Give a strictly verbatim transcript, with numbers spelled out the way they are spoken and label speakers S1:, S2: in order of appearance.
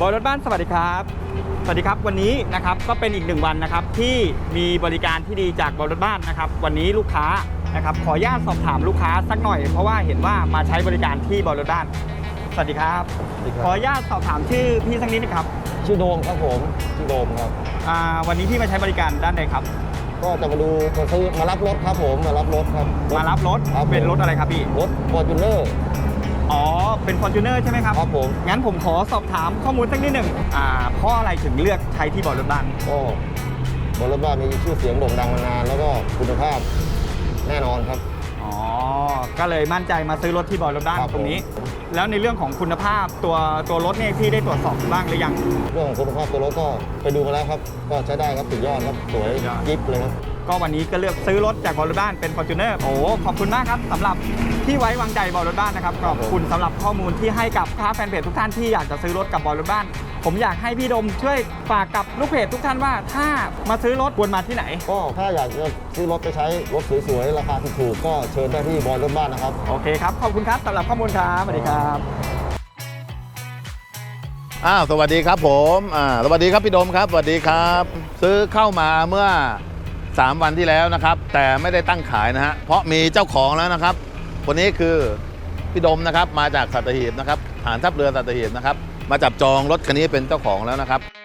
S1: บอยรถบ้านสวัสดีครับสวัสดีครับวันนี้นะครับก็เป็นอีกหนึ่งวันนะครับที่มีบริการที่ดีจากบอยรถบ้านนะครับวันนี้ลูกค้านะครับขออนุญาตสอบถามลูกค้าสักหน่อยเพราะว่าเห็นว่ามาใช้บริการที่บอยรถบ้านสวัสดีครับขออนุญาตสอบถามชื่อพี่สักนิดนะครับ
S2: ชื่อโดมครับผมชื่อโดมครับ
S1: วันนี้พี่มาใช้บริการด้านใดครับ
S2: ก็จะมาดูมาซื้อมารับรถครับผมมารับรถครับ
S1: มารับรถเป็นรถอะไรครับพี่
S2: รถ Fortuner
S1: อ๋อเป็น Fortuner ใช่ไหมครับ
S2: ครับผม
S1: งั้นผมขอสอบถามข้อมูลสักนิดหนึ่งอ่าเพราะอะไรถึงเลือกใช้ที่บอยรถบ้าน
S2: ก็บอยรถบ้านมีชื่อเสียงโด่งดังมานานแล้วก็คุณภาพแน่นอนครับ
S1: อ๋อก็เลยมั่นใจมาซื้อรถที่บอยรถบ้านตรงนี้แล้วในเรื่องของคุณภาพตัวตัวรถเนี่ยพี่ได้ตรวจสอบบ้างหรือยัง
S2: เรื่องของคุณภาพตัวรถก็ไปดูมาแล้วครับก็ใช้ได้ครับสุดยอดครับสวยจิ๊บเลยครับ
S1: ก็วันนี้ก็เลือกซื้อรถจากบอยรถบ้านเป็น Fortuner โอ้ขอบคุณมากครับสำหรับที่ไว้วางใจบอยรถบ้านนะครับขอบคุณสำหรับข้อมูลที่ให้กับค้าแฟนเพจทุกท่านที่อยากจะซื้อรถกับบอยรถบ้านผมอยากให้พี่ดมช่วยฝากกับลูกเพจทุกท่านว่าถ้ามาซื้อรถควรมาที่ไหน
S2: ก็ถ้าอยากจะซื้อรถไปใช้รถสวยๆราคาถูกๆก็เชิญได้ที่บอยรถบ้านนะครับ
S1: โอเคครับขอบคุณครับสำหรับข้อมูลครับสวัสดีครับ
S3: อ้าวสวัสดีครับผมอ่าสวัสดีครับพี่ดมครับสวัสดีครับซื้อเข้ามาเมื่อสามวันที่แล้วนะครับแต่ไม่ได้ตั้งขายนะฮะเพราะมีเจ้าของแล้วนะครับคนนี้คือพี่ดมนะครับมาจากสัตหีบนะครับฐานทัพเรือสัตหีบนะครับมาจับจองรถคันนี้เป็นเจ้าของแล้วนะครับ